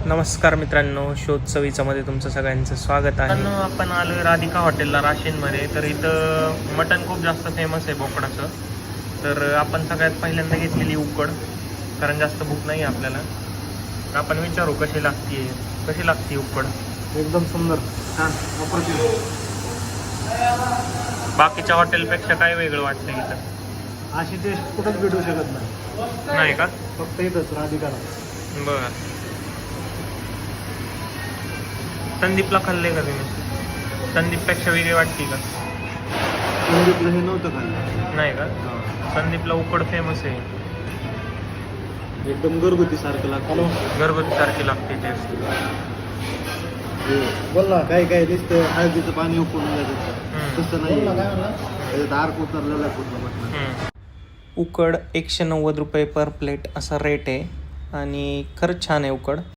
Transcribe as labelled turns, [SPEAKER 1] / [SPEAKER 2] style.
[SPEAKER 1] नमस्कार मित्रांनो, शोध चवीचामध्ये तुमचं सगळ्यांचं स्वागत आहे. आपण आलो आहे राधिका हॉटेलला राशीनमध्ये. तर इथं मटण खूप जास्त फेमस आहे बोकडाचं. तर आपण सगळ्यात पहिल्यांदा घेतलेली उकड, कारण जास्त भूक नाही आहे आपल्याला. तर आपण विचारू कशी लागते उकड.
[SPEAKER 2] एकदम सुंदर, छान, अप्रतिम.
[SPEAKER 1] बाकीच्या हॉटेलपेक्षा काय वेगळं वाटतं इथं?
[SPEAKER 2] अशी टेस्ट कुठंच भेटू शकत
[SPEAKER 1] नाही का?
[SPEAKER 2] फक्त इथंच राधिकाला.
[SPEAKER 1] बरं. संदीपला खाल्ले का तुम्ही? संदीपपेक्षा वेगळी वाटते का?
[SPEAKER 2] संदीपला हे नव्हतं खाल्लं.
[SPEAKER 1] नाही का? संदीपला उकड फेमस आहे.
[SPEAKER 2] एकदम घरगुती सारखं लागतं.
[SPEAKER 1] घरगुती सारखी लागते टेस्ट.
[SPEAKER 2] बोल ना, काय काय नुसतं हळदीचं पाणी उकळून जायचं, तसं नाही. त्याच्यात आर्क उतरलेला आहे पूर्ण मटणात.
[SPEAKER 1] उकड 190 रुपये पर प्लेट असा रेट आहे आणि खरंच छान आहे उकड.